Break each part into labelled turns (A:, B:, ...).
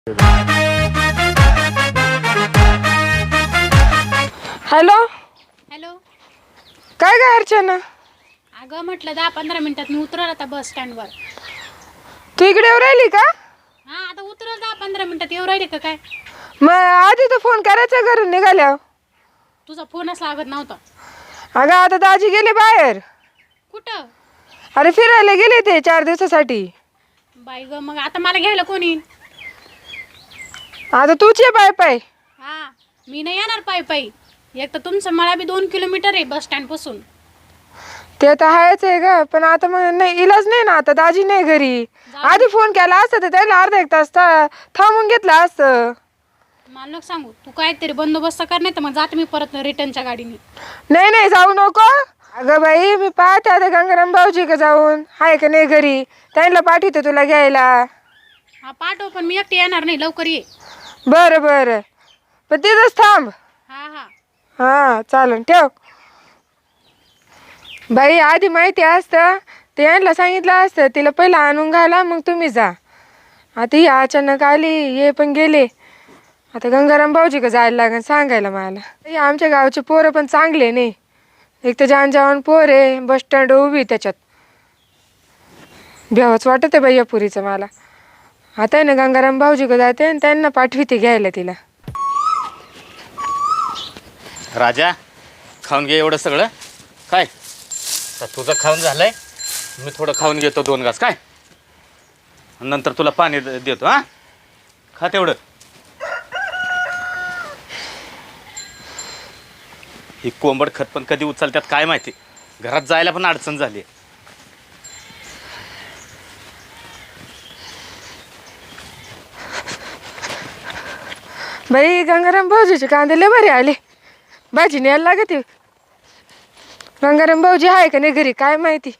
A: Hello
B: hello.
A: काय काय अर्चना,
B: अगं म्हटलं 10-15 मिनिटात मी उतरल आता बस स्टँडवर.
A: तू इकडे येऊ राहिली का?
B: हा आता उतरल 10-15 मिनिटात. येऊ राहिले का काय?
A: मग आधी तर फोन करायचा घरून निघाल्यावर.
B: तुझा फोनच लागत नव्हता.
A: अगं आता दाजी गेले बाहेर.
B: कुठं?
A: अरे फिरायला गेले ते 4 दिवसासाठी.
B: बाई ग, मग आता मला घ्यायला कोण येईल?
A: आता तूच ये पाय पाय.
B: हा, मी नाही येणार पायी पायी. एक तर तुमचं मला बी 2 किलोमीटर आहे बस स्टँड पासून.
A: ते तर आहेच आहे ग, पण आता मग नाही, इलाज नाही ना. आता दाजी नाही घरी. आधी फोन केला असता तर त्याला अर्धा 1 तास थांबून घेतला असतं.
B: मला नको सांगू, तू काहीतरी बंदोबस्त कर, नाही तर मग जाते मी परत रिटर्नच्या गाडीने.
A: नाही नाही जाऊ नको. अगं बाई, मी पाहते आता गंगाराम भाऊजी का जाऊन आहे का नाही घरी. त्यांना पाठवते तुला घ्यायला.
B: हा पाठव, पण मी एकटी येणार नाही. लवकर ये.
A: बरं बरं, पण तिथंच थांब.
B: हा हा.
A: हा चालेल, ठेव. बाई आधी माहिती असतं ते यांना सांगितलं असतं, तिला पहिलं आणून घाला मग तुम्ही जा. आता ही अचानक आली, हे पण गेले. आता गंगाराम भाऊजी का जायला लागेल सांगायला मला. हे आमच्या गावचे पोरं पण चांगले नाही. एक तर जान पोर आहे, बस स्टँड उभी त्याच्यात. भ्यावच वाटत आहे बाई या पुरीचं मला. आता आहे ना गंगाराम भाऊजी का जाते आणि त्यांना पाठविते घ्यायला तिला.
C: राजा, खाऊन घे एवढं सगळं. काय तर तुझं खाऊन झालंय, मी थोडं खाऊन घेतो 2 घास. काय नंतर तुला पाणी देतो. हा खा तेवढं. ही कोंबड खत पण कधी उचलतात काय माहिती. घरात जायला पण अडचण झाली.
A: बाई गंगाराम भाऊजीचे कांदे लय बरे आले. भाजी न्यायला लागते. गंगाराम भाऊजी आहे का नाही घरी काय माहिती.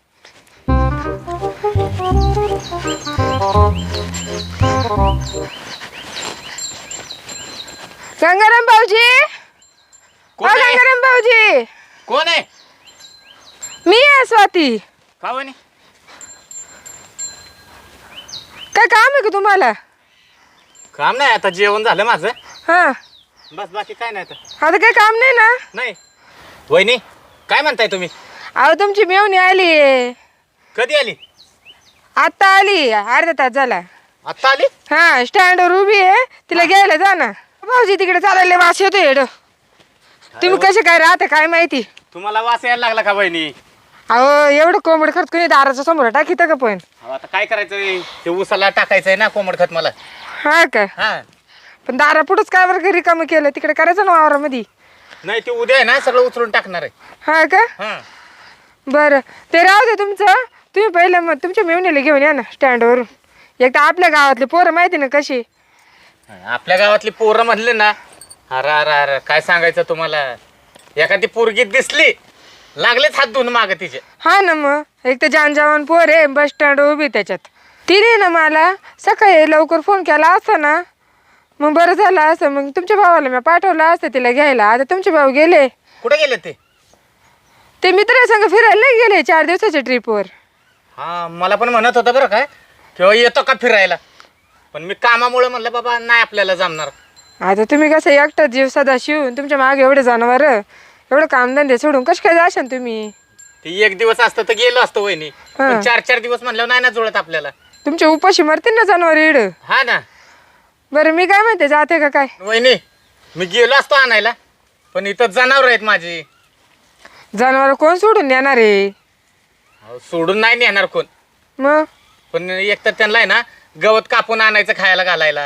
A: गंगाराम भाऊजी,
C: कोण आहे?
A: गंगाराम भाऊजी.
C: कोण आहे?
A: मी आहे स्वाती.
C: का म्हणे?
A: काय काम आहे का तुम्हाला?
C: काम नाही, आता जेवण झालं माझं.
A: हा,
C: बस, बाकी काय नाही. आता
A: आता काय काम नाही ना?
C: नाही. वहिनी काय म्हणताय तुम्ही?
A: अहो तुमची मेवणी आली.
C: कधी आली?
A: आता आली, अर्धा तास झाला.
C: आत्ता आली?
A: हा, स्टँडवर उभी आहे, तिला घ्यायला जा ना. भाऊजी तिकडे चालायला वास येतो येड. तुम्ही कसे काय राहता काय माहिती.
C: तुम्हाला वास यायला लागला का वहिनी?
A: अहो एवढं कोंबड खत कोणी दाराच्या समोर टाकीत का पण.
C: अहो, आता काय करायचंय, ते उसाला टाकायचंय ना कोंबड खत मला.
A: हा का?
C: हा,
A: पण दारा पुढंच काय बरं रिकामं केलं, तिकडे करायचं ना वावरामध्ये.
C: नाही ते उद्या आहे ना सगळं उचलून टाकणार आहे.
A: हा का?
C: हा,
A: बरं ते राहू दे तुमचं. तुम्ही पहिलं मग तुमच्या मेवणीला घेऊन या ना स्टँडवरून. एक तर आपल्या गावातले पोरं माहिती ना कशी.
C: आपल्या गावातली पोरं म्हणले ना, अरे अरे अरे काय सांगायचं तुम्हाला. एखादी पोरगी दिसली लागलेच हात धुवून माग तिचे.
A: हा ना, मग एक तर जवान पोर आहे, बस स्टँड उभी त्याच्यात. तिने ना मला सकाळी लवकर फोन केला असता ना, मग बरं झालं असं. मग तुमच्या भावाला मी पाठवलं असतं तिला घ्यायला. आता तुमचे भाऊ गेले.
C: कुठे गेले ते?
A: ते मित्रासंग फिरायला नाही गेले 4 दिवसाच्या ट्रिपवर.
C: हा, मला पण म्हणत होतं बरं काय किंवा येतो का फिरायला, पण मी कामामुळे म्हणलं बाबा नाही आपल्याला जमणार.
A: आता तुम्ही कसं एकटाच जीव सदा शिवून तुमच्या मागे एवढे जनावर, एवढं कामधंदे सोडून कशी काय जाशान तुम्ही.
C: ती 1 दिवस असतं तर गेलो असतो वहिनी, पण 4-4 दिवस म्हणल्यावर नाही ना जुळत आपल्याला.
A: तुमच्या उपाशी मरतील ना जनावर इड.
C: हा ना.
A: बरं मी काय म्हणते, जाते का काय?
C: वहिनी मी गेलो असतो आणायला, पण इथं जनावर आहेत माझी.
A: जनावर कोण सोडून येणार आहे?
C: अहो, सोडून नाही नेणार कोण,
A: मग
C: पण एक तर त्यांना आहे ना गवत कापून आणायचं खायला घालायला.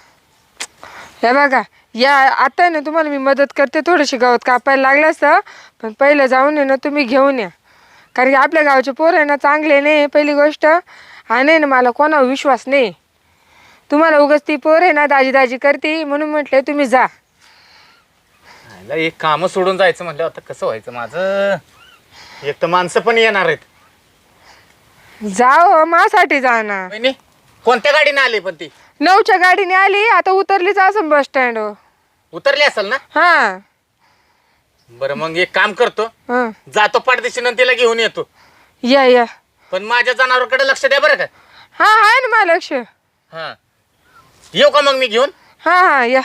A: हे बघा, या आता ना तुम्हाला मी मदत करते. थोडीशी गवत कापायला लागलं असतं, पण पहिलं जाऊन ना तुम्ही घेऊन या. कारण की आपल्या गावचे पोरं आहे ना चांगले नाही पहिली गोष्ट. आणि ना मला कोणावर विश्वास नाही. तुम्हाला उगाच ती पोर आहे ना दाजी दाजी करते म्हणून म्हटले तुम्ही जा.
C: एक काम सोडून जायचं म्हटलं आता कसं व्हायचं माझं. एक तर माणसं पण येणार आहेत.
A: जाओ माझ्यासाठी जा ना.
C: वहिनी कोणत्या गाडीने आली पण ती?
A: 9च्या गाडीने आली. आता उतरलीच असं बस स्टँडवर.
C: उतरली असेल ना?
A: हा,
C: बरं मग एक काम करतो,
A: हा,
C: जातो पाठदिशीनं तिला घेऊन येतो.
A: या.
C: पण माझ्या जनावरांकडे लक्ष द्या बरं का.
A: हा आहे ना मला लक्ष.
C: हा येऊ का मग मी घेऊन?
A: हा या.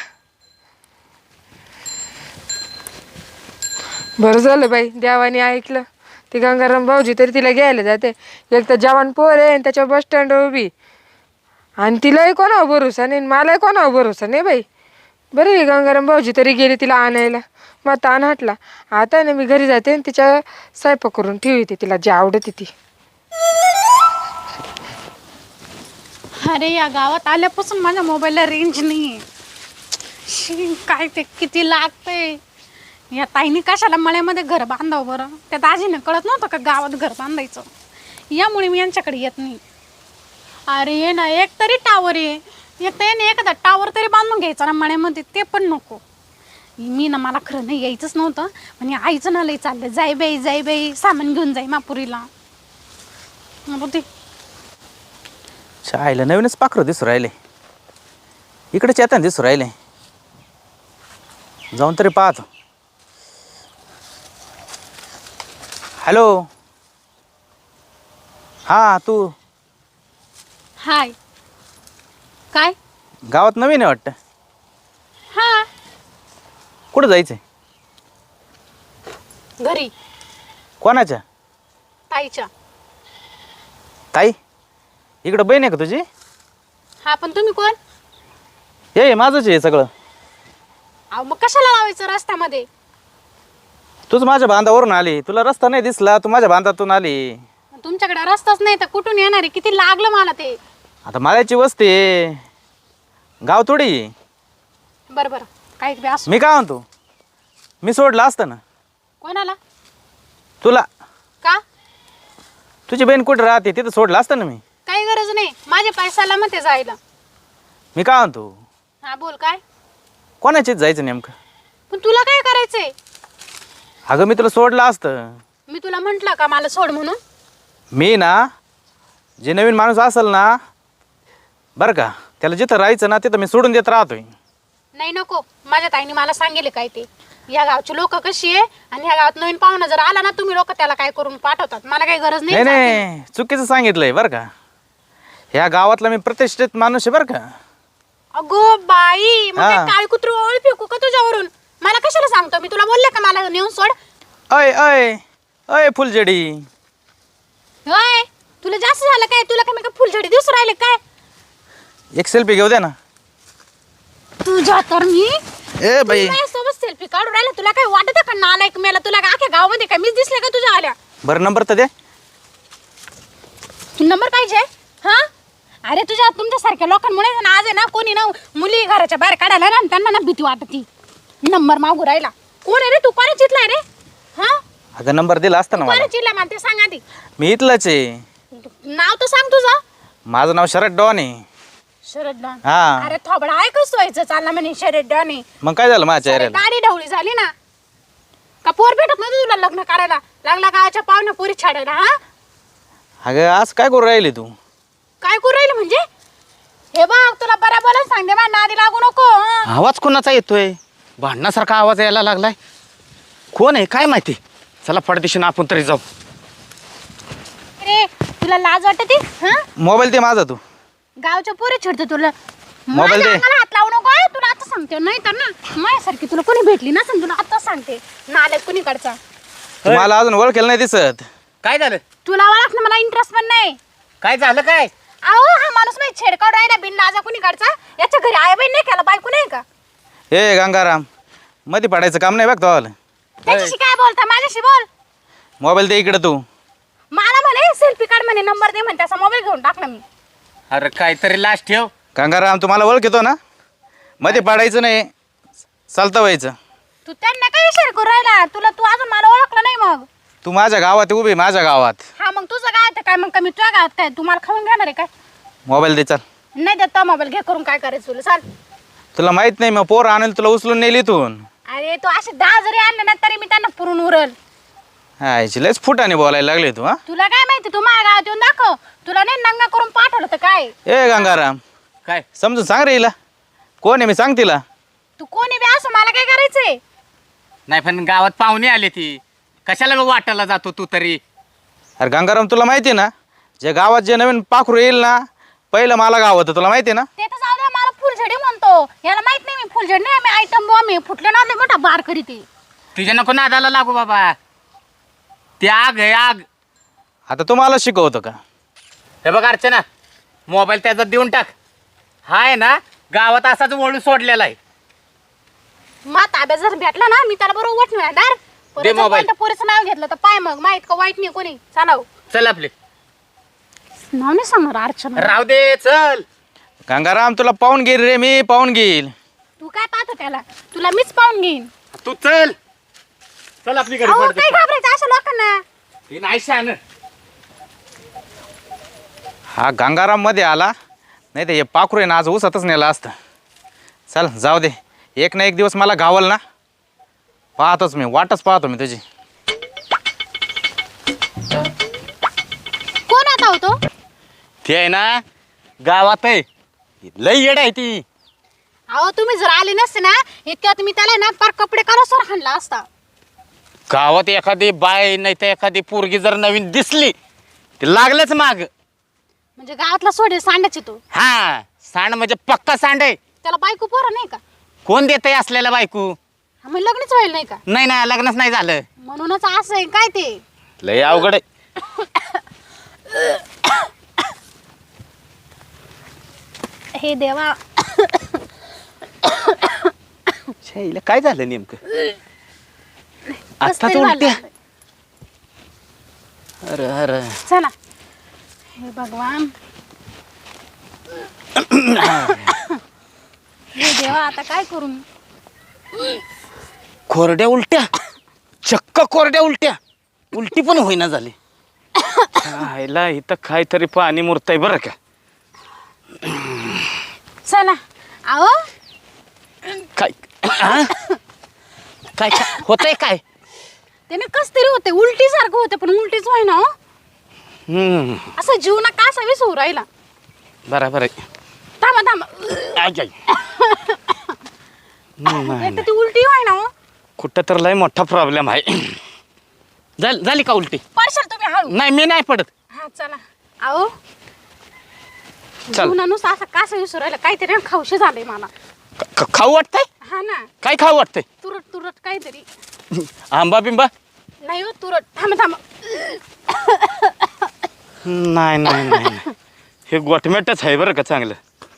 A: बरं झालं बाई देवाने ऐकलं. ती गंगाराम भाऊजी तरी तिला घ्यायला जाते. एक तर जवान पोर आहे आणि त्याच्या बस स्टँडवर उभी, आणि तिलाही कोणावर भरोसा नाही मलाही कोणावर भरोसा नाही बाई. बरं आहे गंगाराम भाऊजी तरी गेली तिला आणायला. मग ताण हटला. आता ना मी घरी जाते आणि तिच्या स्वयंपाक करून ठेवते तिला जे आवडते ती.
B: अरे या गावात आल्यापासून माझ्या मोबाईलला रेंज नाही आहे. काय ते किती लागतंय. या ताईने कशाला मळ्यामध्ये घर बांधावं बरं. त्या दाजीने कळत नव्हतं का गावात घर बांधायचं. यामुळे मी यांच्याकडे येत नाही. अरे ये ना एक तरी टावर आहे. एक तर येणे एखादा टावर तरी बांधून घ्यायचा ना मळ्यामध्ये, ते पण नको. मी ना मला खरं नाही यायचंच नव्हतं, म्हणजे आईचं ना लई चाललं जाई बाई सामान घेऊन जाई मापुरीला. ते
D: आईला नवीनच पाखरं दिसू राहिले. इकडे चेतन दिसू राहिले. जाऊन तरी पाहतो. हॅलो. हां तू
B: हाय. काय?
D: गावात नवीन आहे वाटतं.
B: हा
D: कुठं जायचंय?
B: घरी
D: कोणाच्या?
B: ताईच्या.
D: ताई इकडं बहीण आहे का तुझी?
B: हा पण तुम्ही कोण?
D: हे माझंच आहे सगळं.
B: अहो मग कशाला लावायचं रस्त्यामध्ये?
D: तूच माझ्या बांधावरून आली. तुला रस्ता नाही दिसला, तू माझ्या बांधातून आली.
B: तुमच्याकडे रस्ताच नाही तर कुठून येणार आहे? किती लागलं मला ते.
D: आता माळ्याची वस्ती आहे, गाव थोडी आहे.
B: बरं बरं काही बी असो.
D: मी काय म्हणतो, मी सोडलं असतं ना
B: कोणाला?
D: तुला.
B: का?
D: तुझी बहीण कुठं राहते तिथं सोडलं असतं ना मी.
B: काही गरज नाही, माझे पैशाला मग ते जायला.
D: मी काय म्हणतो,
B: हा बोल. काय?
D: कोणाचीच जायचं नेमकं?
B: पण तुला काय करायचंय?
D: अगं मी तुला सोडलं असतं.
B: मी तुला म्हंटल का मला सोड म्हणून?
D: मी ना जे नवीन माणूस असेल ना बरं का, त्याला जिथं राहायचं ना तिथं मी सोडून देत राहतोय.
B: नाही नको. माझ्या ताईने मला सांगेल काय ते. या गावची लोक कशी आहे आणि ह्या गावात नवीन पाहुणा जर आला ना तुम्ही लोक त्याला काय करून पाठवतात. मला काही गरज
D: नाही
B: नाही.
D: नाही चुकीचं सांगितलंय बरं का. ह्या गावातला मी प्रतिष्ठित माणूस आहे बरं का.
B: अगो बाई, मग
D: हा.
B: काय काळी कुत्रू ओळ फेकू का तुझ्यावरून? मला कशाला सांगतो? मी तुला बोलले का मला नेऊन सोड?
D: अय अय अय फुलझडी.
B: होय तुला जास्त झालं काय? तुला काय मी का फुलझडी दिवस राहिले काय?
D: एक सेल्फी घेऊ द्या ना.
B: तुझ्या तर मी
D: ए बाई
B: सोबत सेल्फी काढून राहिला. तुला काय वाटत का नालायक मेला? तुला काय अख्ख्या गावामध्ये काय मीच दिसले का तुझ्या आल्या?
D: बरं नंबर तर दे.
B: नंबर पाहिजे? हा अरे तुमच्यासारख्या लोकांमुळे ना आज आहे ना कोणी ना मुली घराच्या बाहेर काढायला ना त्यांना ना भीती वाटती. नंबर मागू राहिला. कोण आहे रे तू? कोणा चितलाय रे? हा
D: अगं नंबर दिला असता ना मला.
B: कोणा चितला मला ते सांग आधी.
D: मी इथलंच आहे.
B: नाव तर सांग तुझं.
D: माझं नाव शरद डॉन आहे.
B: शरद डॉन.
D: हा.
B: अरे थोबडा आहे कसं व्हायचं चालला म्हणे शरद डॉन आहे.
D: मग काय झालं माझ्या चेहऱ्याला?
B: दाढी ढवळी झाली ना का? पोर भेटत नव्हतं तुला लग्न करायला? लागला गावाच्या पाहुण्या पोरी छाडायला. हा
D: अगं आज काय करू राहिली तू?
B: काय करू राहिली म्हणजे? हे बघ तुला बरोबर सांगते बा, नादी लागू नको. हं?
C: आवाज कोणाचा येतोय? भांडणासारखा आवाज यायला लागलाय. कोण आहे काय माहिती? चला पडदिशीनं आपण तरी जाऊ.
B: अरे तुला लाज वाटते? हा
D: मोबाईल दे माझा तू.
B: गावच्या पोरी छेडतो तुला.
D: मोबाईल
B: माझ्या
D: दे.
B: अंगाला हात लावू नको. हं? तुला आता सांगते. नाही तर ना माझ्यासारखी तुला कोणी भेटली ना तुला आता सांगते. नालायक कोणी कडचा.
D: तू मला अजून ओळखेल नाही दिसत.
C: काय झालं?
B: तुला ओळख ना मला इंटरेस्ट पण नाही.
C: काय झालं काय?
B: अहो हा माणूस नाही छेडकाड राहिला बिन लाजा कोणी कडचा. याच्या घरी आई बहीण नाही केला, बायको नाही का?
D: हे गंगाराम मध्ये पडायचं काम नाही बघ तो.
B: त्याच्याशी काय बोलता? माझ्याशी बोल.
D: मोबाईल दे इकडे तू.
B: मला म्हणे सेल्फी काढ म्हणे, नंबर दे म्हणे. त्याचा मोबाईल घेऊन टाकला मी.
C: अरे काहीतरी लास्ट ठेव.
D: गंगाराम तू मला ओळखतो ना. मध्ये पडायचं नाही, चालतं व्हायचं.
B: तू त्यांना काय इशारा करू राहिला? तू अजून मला ओळखलं नाही मग.
D: तू माझ्या गावात आहे, उभी माझ्या गावात.
B: हा मग तुझं गावात काय मग कमी तुझ्या गावात काय? तू मला खाऊन घेणार आहे काय?
D: मोबाईल दे चल.
B: नाही देत मोबाईल. घे करून काय करायचं तुला? चाल.
D: तुला माहित नाही मग पोर आणेल तुला उचलून नेली इथून.
B: अरे तू असे 10 जरी आणले ना तरी मी त्यांना पुरून उरल.
D: हा लयच फुटाने बोलायला लागले तू. हा
B: तुला काय माहिती? तू माझ्या गावात येऊन दाखव. तुला नाही नंगा करून पाठवलं तर काय?
D: ए गंगाराम
C: काय?
D: समजून सांग रे हिला. कोण आहे मी सांग तिला.
B: तू कोणी बी असं मला काय करायचंय?
C: नाही पण गावात पाहुणे आले ती. कशाला वाटायला जातो तू तरी?
D: अरे गंगाराम तुला माहिती आहे ना, जे गावात जे नवीन पाखरू येईल ना पहिलं मला गाव होतं, तुला माहिती आहे ना.
B: ते तर जाऊ दे. मला फुल फुलझडी म्हणतो. याला माहित नाही मी फुलझडी नाही, मी आयटम बॉम्ब आहे. फुटले ना लय मोठा बार करीते.
C: तुझ्या नको नादाला लागू बाबा. ती आग आहे आग.
D: आता तुम्हाला शिकवतो का?
C: हे बघ अर्चना, मोबाईल त्याचा देऊन टाक. हा आहे ना गावात असाच वळू सोडलेला आहे.
B: मा ताब्यात जर भेटला ना मी त्याला बरोबर उठणार दार.
C: दे मोबाईल.
B: पोरीचं नाव घेतलं तर पाय मग माहित का वाईट नाही कोणी. चालव.
C: चल आपले.
B: नाव नाही सांगणार अर्चना.
C: राहू दे चल.
D: गंगाराम तुला पाहून घेईल रे मी, पाहून घेईल.
B: तू काय पाहतो त्याला? तुला मीच पाहून घेईन.
C: तू चल. चल आपली घरी
B: अहो
C: पडते.
B: काय घाबरायचं अशा लोकांना?
C: ती नाही शान.
D: हा गंगाराम मध्ये आला, नाही तर हे पाखरू आहे ना आज ऊसातच नेला असतं. चल जाऊ दे, एक ना एक दिवस मला गावल ना. पाहतोच मी, वाटच पाहतो मी तुझी.
B: कोण आता होतो?
C: ती आहे ना गावात आहे, लई येड आहे ती.
B: अहो तुम्ही जर आले नसते ना इतक्यात मी त्याला ना पार कपडे काढासवर हाणला असता.
C: गावात एखादी बाय नाही तर एखादी पोरगी जर नवीन दिसली ते लागलंच माग.
B: म्हणजे गावातला सोडे सांडायचे तो.
C: हा सांड म्हणजे पक्का सांड आहे.
B: त्याला बायको पोरं नाही का?
C: कोण देत आहे असलेला बायको?
B: हा, मग लग्नच व्हायला नाही का?
C: नाही ना लग्नच नाही झालं.
B: म्हणूनच असं आहे काय ते.
C: लय अवघड आहे.
B: हे देवा.
C: छाईला काय झालं नेमकं?
B: कसं
C: आता
B: तरी
C: तर
B: झालं.
C: उलट्या. अरे अरे
B: चला. हे भगवान. हे देवा आता काय करू मी?
C: कोरड्या उलट्या, चक्क कोरड्या उलट्या. उलटी पण होईना झाली. आईला इथं काहीतरी पाणी मुरतंय बरं का.
B: चला. अहो
C: काय हा? काय होतंय काय?
B: त्याने कस तरी होते उलटी सारखं होते पण उलटीच व्हाय ना. असं जीवना का असा विसरू राहिला.
C: बरोबर आहे.
B: थांबा थांबा.
C: आज आई.
B: एक तर ती उलटी व्हाय ना.
C: कुठं तर लय मोठा प्रॉब्लेम आहे. झाली का उलटी?
B: पडशाल तुम्ही हळू.
C: नाही मी नाही पडत.
B: हा चला. अहो
C: चल.
B: जीवनानुसार असं कसं विसरू राहिला काहीतरी खाऊशी झालंय मला.
C: खाऊ वाटतंय?
B: हा ना.
C: काय खाऊ वाटतंय?
B: तुरट तुरट काहीतरी.
C: आंबा बिंबा?
B: नाही हो तुरट. थांबा थांबा.
C: नाही नाही नाही नाही. हे गोटमेटच आहे बरं का चांगलं.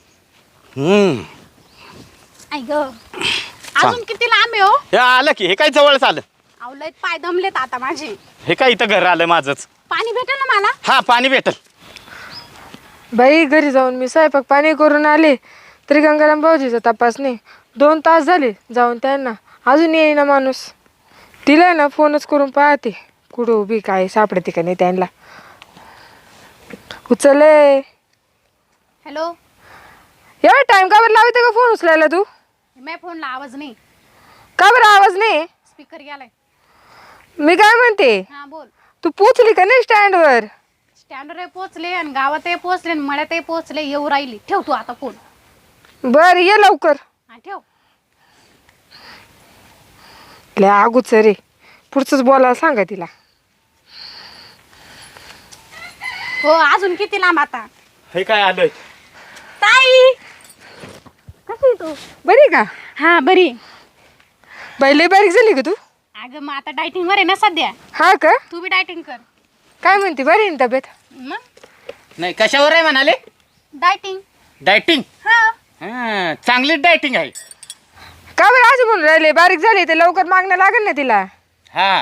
B: आई ग. अजून किती लांब आहे हो?
C: हे आलं की हे काय जवळच आलं.
B: आवलत पाय दमलेत आता माझे.
C: हे काय इथं घर आलं माझंच.
B: पाणी भेटेल ना मला?
C: हा पाणी भेटल.
A: बाई घरी जाऊन मी स्वयंपाक पाणी करून आले तरी गंगाराम भाऊजीचा तपास नाही. 2 तास झाले जाऊन त्यांना, अजून येईना माणूस. तिला ना फोनच करून पाहते कुठं उभी काय सापडते का नाही त्यांना. उचलले.
B: हॅलो.
A: एवढा टाइम का बरं लावते का फोन उचलायला तू?
B: मी फोनला आवाज नाही.
A: का बरं आवाज नाही?
B: स्पीकर गेलाय.
A: मी काय म्हणते,
B: हा बोल.
A: तू पोचली का नाही स्टँडवर?
B: स्टँडवर पोहोचले आणि गावातही पोहोचले आणि मळ्यातही पोहोचले. येऊ राहिली. ठेव तू आता फोन.
A: बर ये लवकर.
B: हा ठेव.
A: लय आगूच रे, पुढचंच बोलायला सांगा तिला.
B: हो अजून किती लांब आता?
C: हे काय आलंय?
B: ताई कशी तू?
A: बरी का?
B: हा बरी.
A: बाई लय बारीक झाली का तू?
B: अगं मग आता डायटिंग वर आहे ना सध्या.
A: हा का?
B: तू बी डायटिंग कर.
A: काय म्हणते, बरी आहे ना तब्येत?
B: मग
C: नाही कशावर आहे म्हणाले?
B: डायटिंग.
C: डायटिंग?
B: हा.
C: चांगली डायटिंग आहे.
A: का बरं असं म्हणून राहिले? बारीक झाली ते लवकर मागणं लागेल ना तिला.
C: हा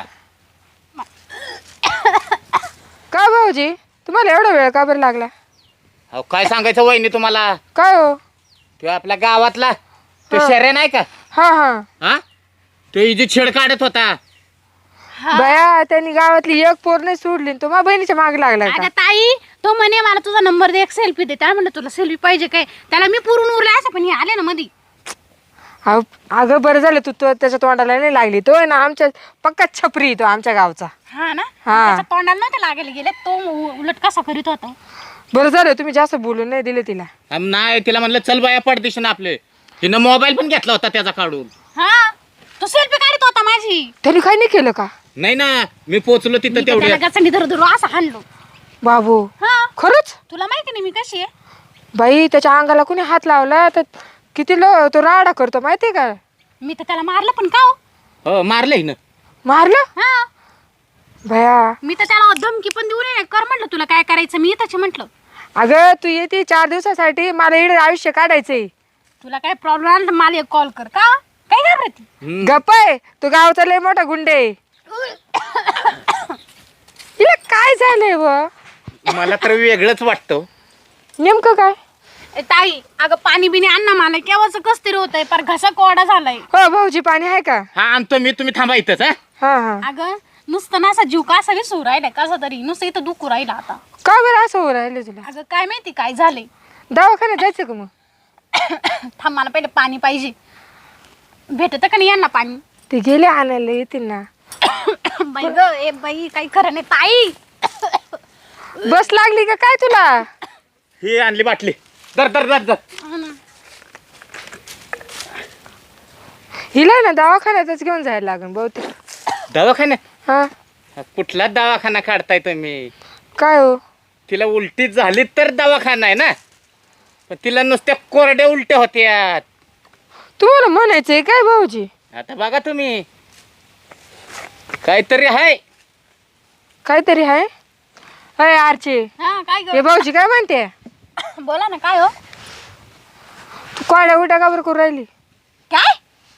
A: का भाऊजी तुम्हाला एवढा वेळ का बरं लागला?
C: अहो काय सांगायचं वहिनी तुम्हाला.
A: काय हो?
C: तो आपल्या गावातला तो
A: हा.
C: शर्या नाही का?
A: हा हा.
C: हा तो इजी छेड काढत होता.
A: बया त्यांनी गावातली एक पोर नाही सोडली आणि तो माझ्या बहिणीच्या मागे लागला का?
B: अगं ताई तो म्हणे मला तुझा नंबर दे, एक सेल्फी दे. त्याला म्हणलं तुला सेल्फी पाहिजे काय? त्याला मी पुरून उरले असं पण हे आले ना मधी.
A: अगं बरं झालं तू त्याच्या तोंडाला नाही लागली. तो आहे ना आमच्या पक्का छपरी, तो आमच्या गावचा.
B: हा ना.
A: हा.
B: त्याच्या तोंडाला नव्हते लागायला गेले. तो उलट कसा करीत होता.
A: बरं झालं तुम्ही जास्त बोलून नाही दिले तिला.
C: नाही तिला म्हणलं चल बाया पडदिशी ना आपले. तिनं मोबाईल पण घेतला होता त्याचा काढून.
B: हा तो सेल्फी काढत होता माझी.
A: त्यांनी काही नाही केलं का?
C: नाही ना मी पोचलो तिथं तेवढ्या.
B: गचंडी धरू धरू असं हाणलो.
A: बाबू
B: हा
A: खरंच?
B: तुला माहिती नाही मी कशी आहे.
A: बाई त्याच्या अंगाला कोणी हात लावला तर किती तो राडा करतो माहितीये का?
B: मी तर त्याला मारलं पण का हो?
C: हो मारलंय ना.
A: मारलं
B: हा
A: भया.
B: मी तर त्याला धमकी पण देऊ नये कर म्हटलं तुला काय करायचं मी त्याचे म्हटलं.
A: अगं तू येते 4 दिवसासाठी, मला इकडे आयुष्य काढायचंय.
B: तुला काय प्रॉब्लेम आला तर मला एक कॉल कर का काय घाबरती.
A: गप्प आहे, तू गावचा लय मोठा गुंडे. हिला काय झालंय व?
C: मला तर वेगळंच वाटतं.
A: नेमकं काय?
B: ए, ताई अगं पाणी बिणी आण ना मला केव्हाच कस तरी होतंय पर घसा कोरडा झालाय.
A: हो भाऊजी पाणी आहे का?
C: हा आणतो मी, तुम्ही थांबा इथंच. हा
A: हा हा.
B: अगं नुसतं ना असा जीव का असा विसरू राहिलाय कसा तरी नुसतं इथं दुखू राहिला आता.
A: का बरं असं हो राहिलं तुला?
B: अगं काय माहिती काय झालंय.
A: दवाखान्यात जायचं का मग?
B: थांब मला पहिले पाणी पाहिजे. भेटत का नाही यांना पाणी?
A: ते गेले आणायला येतील ना.
B: बाई ग ए बाई काही खरं नाही ताई.
A: बस लागली का काय तुला?
C: ही आणली बाटली. दर दर दर दर.
A: हिला ना दवाखान्यातच घेऊन जायला लागेल बहुतेक.
C: दवाखाना?
A: हा
C: कुठला दवाखाना काढताय तुम्ही?
A: काय हो?
C: तिला उलटी झाली तर दवाखाना आहे ना, पण तिला नुसत्या कोरड्या उलट्या होत्या.
A: तुम्हाला म्हणायचंय काय भाऊजी?
C: आता बघा तुम्ही, काहीतरी आहे.
A: काहीतरी आहे. अय आरचे,
B: हा काय
A: हे
B: ग
A: भाऊजी काय म्हणते?
B: बोला ना काय हो?
A: तू कोड्या उलट्या का बरं करू राहिली?
B: काय?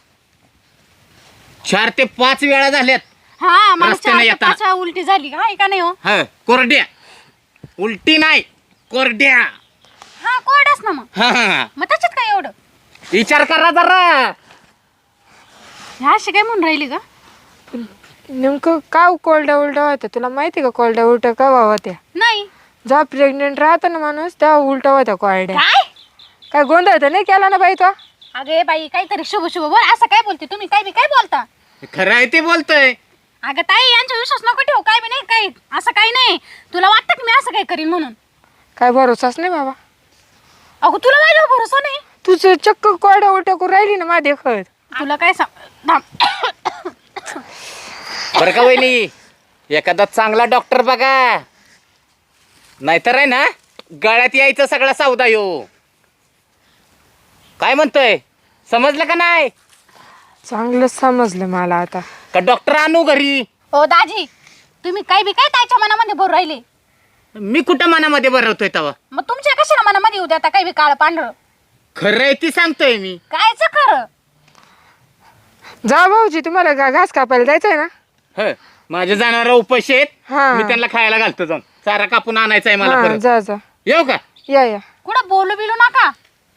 C: 4 ते 5 वेळा झाल्यात.
B: हा मला
C: रस्त्याने
B: 4 ते
C: येताना.
B: 5 वेळा उलटी झाली काय का नाही हो?
C: हा कोरड्या. उलटी नाही, कोरड्या.
B: हा कोरडाच ना मग.
C: हा हा.
B: मग त्याच्यात काय एवढं?
C: विचार करा जरा.
B: ह्या अशी काय म्हणून राहिली का?
A: नेमकं का कोरड्या उलट्या होत्या? तुला माहिती का कोरड्या उलट्या का होत्या?
B: नाही.
A: जेव्हा प्रेग्नेंट राहतो ना माणूस तेव्हा उलट्या होत्या कोरड्या.
B: काय?
A: काय गोंधळ तर नाही केला ना बाई तो?
B: अगे बाई काहीतरी शुभ शुभ बोल असं काय बोलते तुम्ही काय बी काय बोलता?
C: खरं आहे ते बोलतोय.
B: अगं ताई यांचा विश्वास नको ठेवू काय बी नाही काही असं काही नाही. तुला वाटतं की मी असं काय करीन म्हणून?
A: काय भरोसाच नाही बाबा.
B: अगं तुला माझ्यावर भरोसा नाही.
A: तुझं चक्क कोरड्या उलट्या करू राहिली ना माझ्या देखत.
B: तुला काय सांग थांब.
C: बरं का वहिनी, एखादा चांगला डॉक्टर बघा, नाहीतर आहे ना गळ्यात यायचं सगळा सौदा यो. काय म्हणतोय, समजलं का नाही?
A: चांगलं समजलं मला आता.
C: का डॉक्टर आणू घरी?
B: ओ दाजी तुम्ही काय बी काय ताईच्या मनामध्ये भरू राहिले.
C: मी कुठं मनामध्ये भरवतोय तवा?
B: मग तुमच्या कशाला मनामध्ये येऊ द्या काही बी काळ पांढरं.
C: खरं आहे ती सांगतोय मी.
B: कायच खरं?
A: जा भाऊजी, तुम्हाला घास कापायला जायचंय ना?
C: ह माझे जाणारा उपाशी आहेत.
A: हा.
C: मी त्यांना खायला घालतो जाऊन. चारा कापून आणायचा आहे मला
A: हा
C: परत.
A: जा जा.
C: येऊ का?
A: या.
B: कुठं बोलू बिलू नका.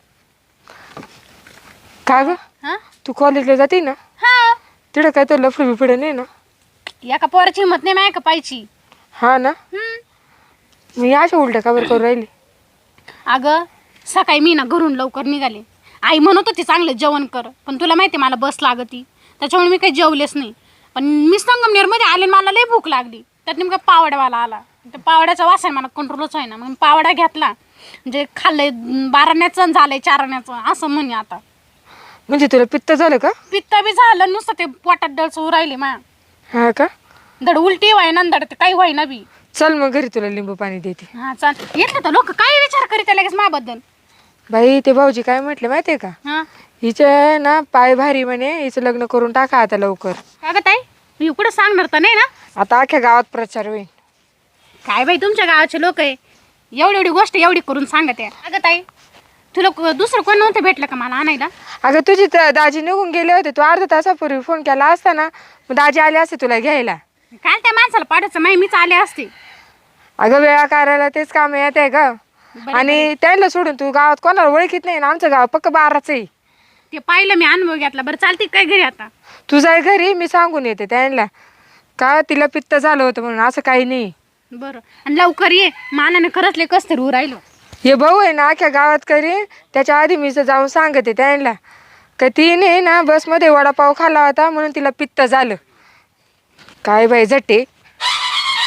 A: का ग?
B: हा
A: तू कॉलेजला जाते ना?
B: हा
A: तिकडं काय तर लफडं बिफडं नाही ना?
B: एका पोराची हिंमत नाही माय का पाहिजे.
A: हा ना. मी अशा उलट्या का बरं करू राहिली?
B: अगं सकाळी मी ना घरून लवकर निघाले. आई म्हणत होती चांगलं जेवण कर पण तुला माहिती मला बस लागती त्याच्यामुळे मी काही जेवलेच नाही. पण मी संगमनेरमध्ये आले मला लई भूक लागली. त्यात नेमका पावड्यावाला आला. त्या पावड्याचा वास आहे मला कंट्रोलच आहे ना. मग पावडा घेतला म्हणजे खाल्लंय 12ण्याचं झालंय 4ण्याचं असं म्हणे. आता
A: म्हणजे तुला पित्त झालं का?
B: पित्त बी झालं नुसतं ते पोटात डळसू राहिले मा.
A: हा का?
B: धड उलटी व्हायना धड ते काही व्हायना बी.
A: चल मग घरी तुला लिंबू पाणी देते.
B: हा चाल येतलं तर लोक काय विचार करीत लगेच माझ्याबद्दल.
A: बाई ते भाऊजी काय म्हटले माहितीये का?
B: हा
A: हिचे ना पाय भारी म्हणे, हिचं लग्न करून टाका आता लवकर.
B: अगं ताई मी कुठं सांगणार तर नाही ना.
A: आता अख्ख्या गावात प्रचार होईल.
B: काय बाई तुमच्या गावाचे लोक आहे एवढी एवढी गोष्ट एवढी करून सांगत आहे. अगं ताई तुला दुसरं कोण नव्हतं भेटलं का मला आणायला?
A: अगं तुझी दाजी निघून गेले होते, तू अर्धा तासापूर्वी फोन केला असता ना मग दाजी आले असते तुला घ्यायला.
B: काल त्या माणसाला पाडायचं माही मीच आले असते.
A: अगं वेळा करायला तेच काम येत आहे का? आणि त्यांना सोडून तू गावात कोणाला ओळखीत नाही ना. आमचं गाव पक्क 12च आहे.
B: ते पाहिलं मी अनुभव घेतला. बरं चालते काय घरी आता?
A: तू जाय घरी, मी सांगून येते त्यांना का तिला पित्त झालं होतं म्हणून. असं काही नाही.
B: बरं आणि लवकर ये मानाने खरंच लय कस तरी राहिलो.
A: हे भाऊ आहे ना अख्ख्या गावात करीन. त्याच्या आधी मी जाऊन सांगते त्यांना का तिने ना बसमध्ये वडापाव खाल्ला होता म्हणून तिला पित्त झालं. काय बाई जटे.